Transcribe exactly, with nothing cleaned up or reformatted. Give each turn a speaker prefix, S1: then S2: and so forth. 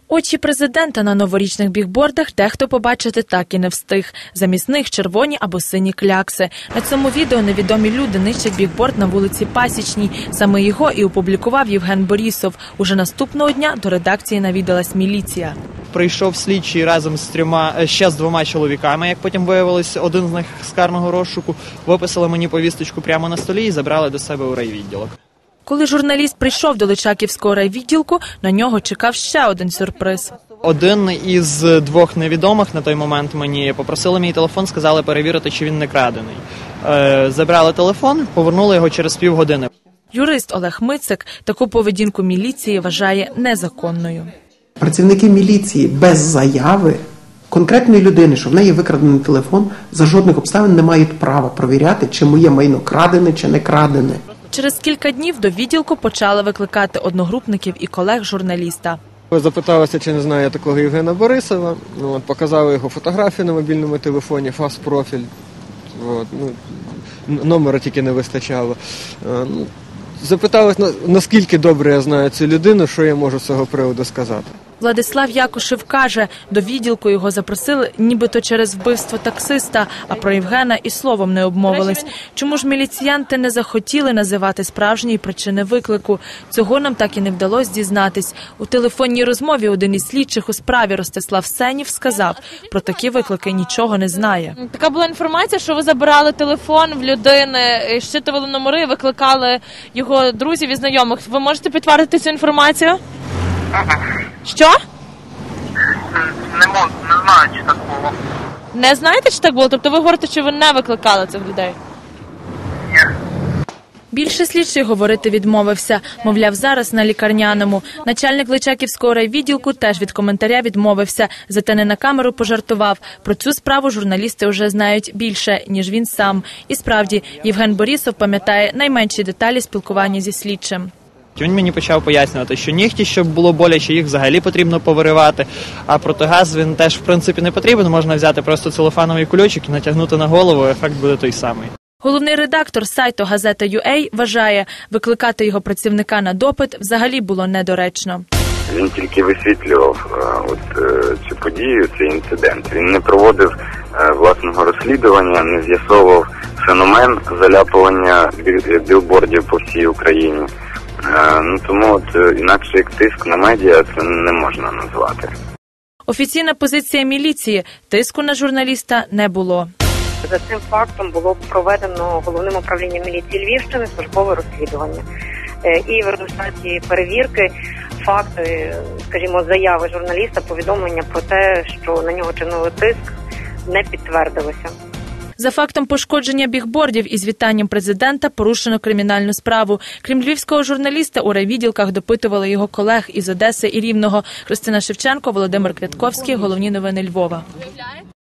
S1: Очі президента на новорічних бігбордах дехто побачити так і не встиг. Замість них червоні або сині клякси. На цьому відео невідомі люди нищать бігборд на вулиці Пасічній. Саме його і опублікував Євген Борісов. Уже наступного дня до редакції навідалась міліція.
S2: Прийшов слідчий разом з трьома, ще з двома чоловіками, як потім виявилось, один з них з карного розшуку. Виписали мені повісточку прямо на столі і забрали до себе у райвідділок.
S1: Коли журналіст прийшов до Личаківського райвідділку, на нього чекав ще один сюрприз.
S2: Один із двох невідомих на той момент мені попросили мій телефон, сказали перевірити, чи він не крадений. Е, забрали телефон, повернули його через півгодини.
S1: Юрист Олег Мицик таку поведінку міліції вважає незаконною.
S3: Працівники міліції без заяви конкретної людини, що в неї викрадений телефон, за жодних обставин не мають права провіряти, чи моє майно крадене, чи не крадене.
S1: Через кілька днів до відділку почали викликати одногрупників і колег журналіста.
S4: Запиталися, чи не знаю я такого Євгена Борисова. От, показали його фотографію на мобільному телефоні, фас-профіль. От, ну, номера тільки не вистачало. Ну, запиталися, наскільки добре я знаю цю людину, що я можу з цього приводу сказати.
S1: Владислав Якушев каже, до відділку його запросили нібито через вбивство таксиста, а про Євгена і словом не обмовились. Чому ж міліціянти не захотіли називати справжньої причини виклику? Цього нам так і не вдалося дізнатись. У телефонній розмові один із слідчих у справі Ростислав Сенів сказав, про такі виклики нічого не знає.
S5: Така була інформація, що ви забирали телефон в людини, щитували номери, викликали його друзів і знайомих. Ви можете підтвердити цю інформацію? Що?
S6: Не можу, не знаю, чи так було.
S5: Не знаєте, чи так було? Тобто ви говорите, що ви не викликали цих людей?
S6: Ні.
S1: Більше слідчий говорити відмовився. Мовляв, зараз на лікарняному. Начальник Личаківського райвідділку теж від коментаря відмовився. Зате не на камеру пожартував. Про цю справу журналісти вже знають більше, ніж він сам. І справді, Євген Борісов пам'ятає найменші деталі спілкування зі слідчим.
S2: Він мені почав пояснювати, що нігті, щоб було боляче, їх взагалі потрібно повиривати, а протигаз він теж, в принципі, не потрібен, можна взяти просто целофановий кульочок і натягнути на голову, ефект буде той самий.
S1: Головний редактор сайту газета ю ей вважає, викликати його працівника на допит взагалі було недоречно.
S7: Він тільки висвітлював от, цю подію, цей інцидент. Він не проводив власного розслідування, не з'ясовував феномен заляпування білбордів по всій Україні. Ну, тому от, інакше як тиск на медіа це не можна назвати.
S1: Офіційна позиція міліції – тиску на журналіста не було.
S8: За цим фактом було проведено Головним управлінням міліції Львівщини службове розслідування. І в результаті перевірки факти, скажімо, заяви журналіста, повідомлення про те, що на нього чинили тиск, не підтвердилося.
S1: За фактом пошкодження бігбордів із вітанням президента порушено кримінальну справу. Крім львівського журналіста, у райвідділках допитували його колег із Одеси і Рівного. Христина Шевченко, Володимир Квятковський. Головні новини Львова.